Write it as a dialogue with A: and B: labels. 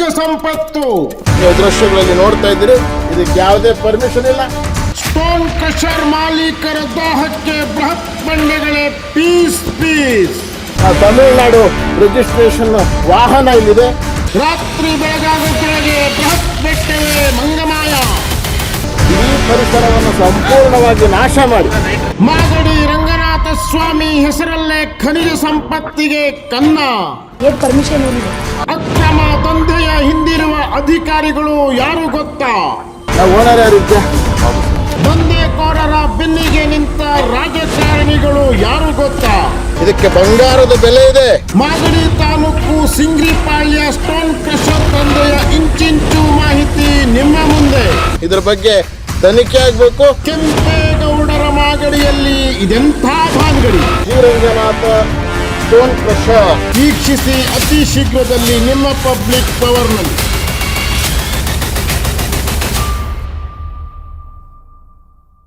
A: ಸಂಪತ್ತು.
B: ನೀವು ದೃಶ್ಯಗಳಲ್ಲಿ ನೋಡ್ತಾ ಇದ್ದೀರಿ, ಇದಕ್ಕೆ ಯಾವುದೇ ಪರ್ಮಿಷನ್ ಇಲ್ಲ.
A: ಸ್ಟೋನ್ ಕ್ರಷರ್ ಮಾಲೀಕರ ದಾಹಕ್ಕೆ ಬೃಹತ್ ಬಂಡೆಗಳೇ ಪೀಸ್ ಪೀಸ್.
B: ತಮಿಳುನಾಡು ರಿಜಿಸ್ಟ್ರೇಷನ್ ವಾಹನ ಇಲ್ಲಿದೆ.
A: ರಾತ್ರಿ ಬೆಳಗಾಗುತ್ತೊಳಗೆ ಬೃಹತ್ ಬೆಟ್ಟವೇ ಮಂಗಮಾಯ.
B: ಈ ಪರಿಸರವನ್ನು ಸಂಪೂರ್ಣವಾಗಿ ನಾಶ ಮಾಡಿ
A: ಮಾಗಡಿ ರಂಗನಾಥ ಸ್ವಾಮಿ ಹೆಸರಲ್ಲೇ ಖನಿಜ ಸಂಪತ್ತಿಗೆ ಕನ್ನ.
C: ಪರ್ಮಿಷನ್ ಏನಿದೆ?
A: ಅಕ್ರಮ ದಂಧೆಯ ಹಿಂದಿರುವ ಅಧಿಕಾರಿಗಳು ಯಾರು ಗೊತ್ತಾ?
B: ಓನರ್ ಯಾರಿದ್ದೆ?
A: ದಂಧೆಕೋರರ ಬೆನ್ನಿಗೆ ನಿಂತ ರಾಜಕಾರಣಿಗಳು ಯಾರು ಗೊತ್ತಾ?
B: ಇದಕ್ಕೆ ಬಂಗಾರದ ಬೆಲೆ ಇದೆ.
A: ಮಾಗಡಿ ತಾಲೂಕು ಸಿಂಗ್ರಿಪಾಳ್ಯ ಸ್ಟೋನ್ ಕ್ರಷರ್ ದಂಧೆಯ ಇಂಚಿಂಚು ಮಾಹಿತಿ ನಿಮ್ಮ ಮುಂದೆ.
B: ಇದರ ಬಗ್ಗೆ ತನಿಖೆ ಆಗಬೇಕು.
A: ಕೆಂಪೇಗೌಡರ ಮಾಗಡಿಯಲ್ಲಿ ಇದೆಂಥ ಭಾನ್ಗಡಿ.
B: ಶ್ರೀರಂಗನಾಥ ಸ್ಟೋನ್ ಕ್ರಷರ್
A: ವೀಕ್ಷಿಸಿ ಅತಿ ಶೀಘ್ರದಲ್ಲಿ ನಿಮ್ಮ ಪಬ್ಲಿಕ್ ಪವರ್ನಲ್ಲಿ.